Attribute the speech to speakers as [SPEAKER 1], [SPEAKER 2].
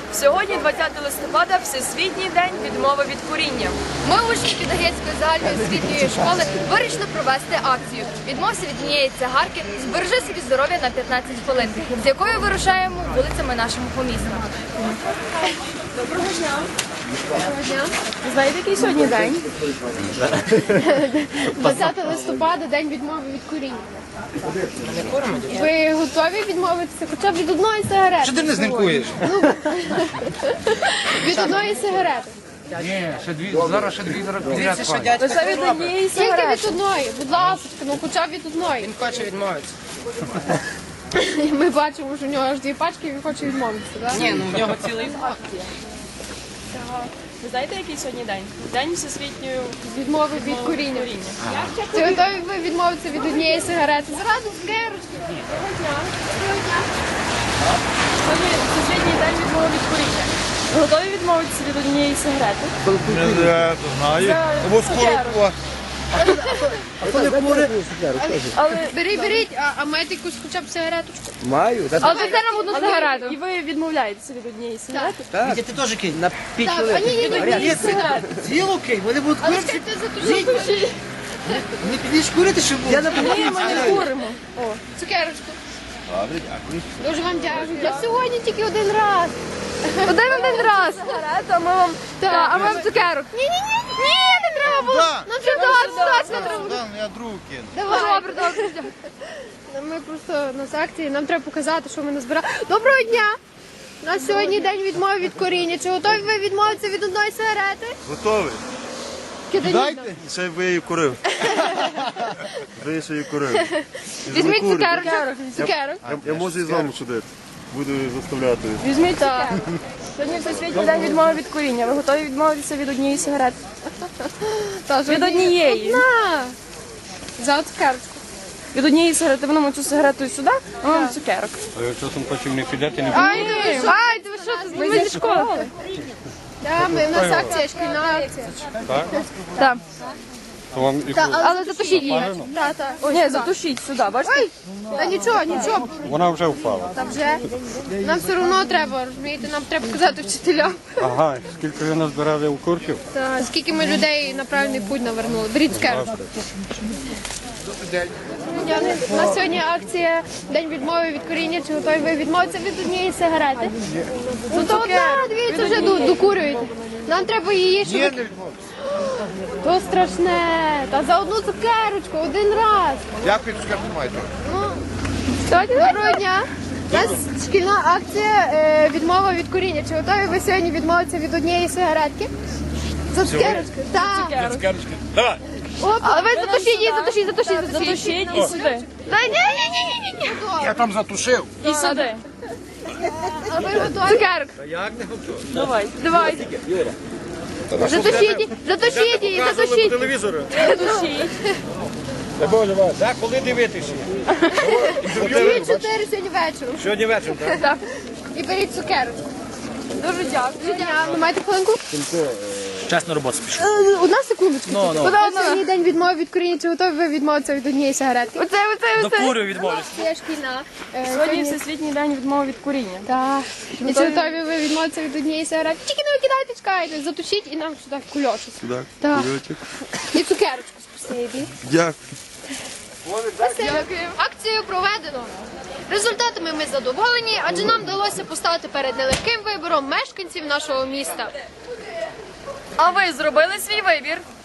[SPEAKER 1] Сьогодні, 20 листопада, Всесвітній день відмови від куріння.
[SPEAKER 2] Ми, учні Підагетської загальної освітньої школи, вирішили провести акцію «Відмовся від однієї цигарки, збережи собі здоров'я на 15 хвилин», з якою вирушаємо вулицями нашого міста.
[SPEAKER 1] Доброго дня.
[SPEAKER 2] Доброго дня.
[SPEAKER 1] Ви знаєте, який сьогодні день?
[SPEAKER 2] 20 листопада, день відмови від куріння. Ви готові відмовитися хоча б від одної сигарети?
[SPEAKER 3] Що ти не знімкуєш?
[SPEAKER 2] Від одної сигарети.
[SPEAKER 3] Ні, зараз ще дві підряд.
[SPEAKER 1] Лише від однієї
[SPEAKER 2] Тільки
[SPEAKER 1] сигарети.
[SPEAKER 2] від одної, будь ласка, ну хоча б від одної.
[SPEAKER 3] Він хоче відмовитися.
[SPEAKER 2] Ми бачимо, що у нього аж дві пачки, і він хоче відмовитися, так?
[SPEAKER 3] Ні, ну в нього цілий факт.
[SPEAKER 1] Ви знаєте, який сьогодні день? День Всесвітньої
[SPEAKER 2] Відмови від куріння. Чи готові ви відмовитися від однієї сигарети? Зразу цукерочки.
[SPEAKER 1] Сьогодні Всесвітній день відмови від куріння. Ви готові відмовитися від однієї сигарети?
[SPEAKER 4] Знаю. Або скоро.
[SPEAKER 1] Але
[SPEAKER 2] Беріть, а маєте якусь хоча б сигареточку?
[SPEAKER 4] Маю.
[SPEAKER 2] Але дайте нам одну сигарету.
[SPEAKER 1] і ви відмовляєтеся від однієї сигарети?
[SPEAKER 3] Вітя, ти теж кинь на 5
[SPEAKER 2] Так, а ні,
[SPEAKER 3] хвилин. Цілу кинь, вони будуть
[SPEAKER 2] Але
[SPEAKER 3] курити.
[SPEAKER 2] чекайте, затушіть.
[SPEAKER 3] Не підеш курити, щоб було.
[SPEAKER 1] Ні, ми не куримо.
[SPEAKER 2] Цукерочку. Дуже вам дякую. Я сьогодні тільки один раз. Один раз.
[SPEAKER 1] Сигарета, ми вам...
[SPEAKER 2] Так, а вам цукерок. Ні, не треба було. Нам треба точно треба.
[SPEAKER 4] Я другу кину.
[SPEAKER 2] Давай. Добре. Ми просто на акції, нам треба показати, що ми назбирали. Доброго дня! У нас сьогодні день відмови від куріння. Чи готові ви відмовитися від одної сигарети?
[SPEAKER 4] Готовий? Дайте. Ще ви її курив. Ви ще її курив.
[SPEAKER 2] Візьміть цукерок.
[SPEAKER 4] Я можу і з вами ходити. Буду заставляти.
[SPEAKER 1] Візьміть так. Сьогодні Всесвітній день відмови від куріння. Ви готові відмовитися від однієї сигарети? Від однієї.
[SPEAKER 2] На! За цукерочку.
[SPEAKER 1] Від однієї сигарети винемо цю сигарету сюди, а вам цукерок.
[SPEAKER 5] А якщо там потім не підете, не
[SPEAKER 2] Ай, ви що, ми зі школи? Так, у нас акція, шкільна акція.
[SPEAKER 1] Так.
[SPEAKER 5] то вам і
[SPEAKER 2] Але затушіть її.
[SPEAKER 1] Ні, затушіть сюди, бачите?
[SPEAKER 2] Ой, та нічого.
[SPEAKER 5] вона вже впала.
[SPEAKER 2] Та вже. Нам все одно треба, розумієте, нам треба показати вчителям.
[SPEAKER 5] Ага, скільки ви назбирали у курсів?
[SPEAKER 2] Та, скільки ми людей на правильний путь навернули. Беріть цукерку. У нас сьогодні акція День відмови від куріння. Чи готові ви відмовитися від однієї сигарети? Ну то одна, дивіться, вже докурюєте. Нам треба її, щоб... ви- То страшне. Та за одну цукерочку, один раз.
[SPEAKER 4] Дякую, цукерку маєте.
[SPEAKER 2] Доброго дня. У нас шкільна акція відмова від куріння. Чи готові ви сьогодні відмовитися від однієї сигаретки? За цукерочку? Так.
[SPEAKER 5] Давай!
[SPEAKER 2] Але ви затушіть її, затушіть.
[SPEAKER 1] Затушіть і сюди.
[SPEAKER 2] Та ні.
[SPEAKER 3] Я там затушив.
[SPEAKER 1] І сюди.
[SPEAKER 2] А ви готові? Цукерок.
[SPEAKER 1] Давай.
[SPEAKER 2] Затушіть її.
[SPEAKER 4] Телевізору.
[SPEAKER 1] Затушіть.
[SPEAKER 3] Так, коли дивитися?
[SPEAKER 2] 2-4 сьогодні вечором.
[SPEAKER 3] Сьогодні вечором, так?
[SPEAKER 2] І беріть цукерочку.
[SPEAKER 1] Дуже дякую.
[SPEAKER 2] Ви маєте хвилинку?
[SPEAKER 3] Чесно роботу спішу.
[SPEAKER 2] Одна секундочку. Сьогодні день відмови від куріння. Чи готові ви відмовитися від однієї сигаретки?
[SPEAKER 3] Докурю відмовлюсь.
[SPEAKER 2] Це шкільна.
[SPEAKER 1] Сьогодні Всесвітній день відмови від куріння.
[SPEAKER 2] Так. І чи готові ви відмовитися від однієї сигарети? Тільки не викидайте, чекайте. Затушіть і нам сюди кульочок.
[SPEAKER 4] Так,
[SPEAKER 2] Так.
[SPEAKER 4] кульочок.
[SPEAKER 2] І цукерочку спасибі.
[SPEAKER 4] Дякую.
[SPEAKER 2] Дякую. Акцію проведено. Результатами ми задоволені, адже нам вдалося поставити перед нелегким вибором мешканців нашого міста.
[SPEAKER 1] А ви зробили свій вибір?